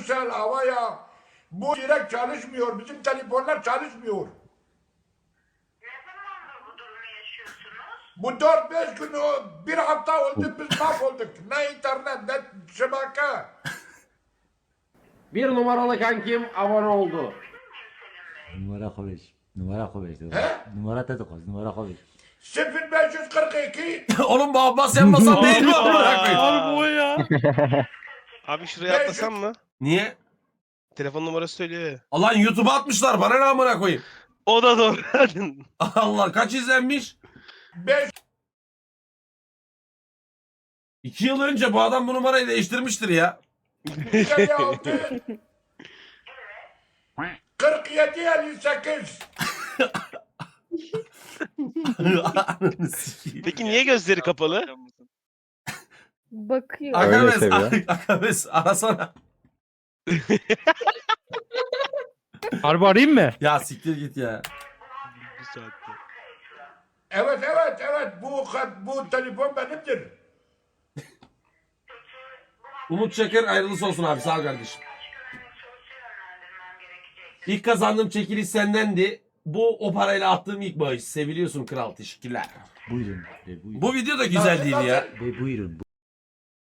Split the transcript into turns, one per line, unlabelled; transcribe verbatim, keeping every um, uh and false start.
Turkcell, Havaya. Bu direkt çalışmıyor. Bizim telefonlar çalışmıyor.
Ne zamandır bu durumu yaşıyorsunuz?
Bu dört beş gün o bir hafta oldu biz mahvolduk. Ne internet ne şebeke.
Bir numaralı kankim abone oldu.
Numara konuş. Numara konuş.
He?
Numara da konuş. Numara konuş.
sıfır beş yüz kırk iki
Oğlum bu Abbas yanmasam değil mi amına koyayım?
Harbi o ya.
Abi şuraya atlasam mı?
Niye?
Telefon numarası söylüyor ya.
Lan YouTube'a atmışlar bana ne amına koyayım?
O da doğru.
Allah kaç izlenmiş?
beş
İki yıl önce bu adam bu numarayı değiştirmiştir ya.
elli altı kırk yedi elli sekiz.
Ananı sikeyim.
Peki niye gözleri kapalı?
Bakıyor.
Öyle
Akabes,
seviyor.
Akabes arasana.
Harbi arayayım mı?
Ya siktir git ya.
Bir saatte.
Evet evet evet bu bu telefon benimdir.
Umut Çakır ayrılısı olsun abi sağ ol kardeşim. İlk kazandığım çekiliş sendendi. Bu o parayla attığım ilk bağış. Seviliyorsun kral teşekkürler.
Buyurun. Ve buyurun.
Bu video da güzel değil ya.
Ve buyurun.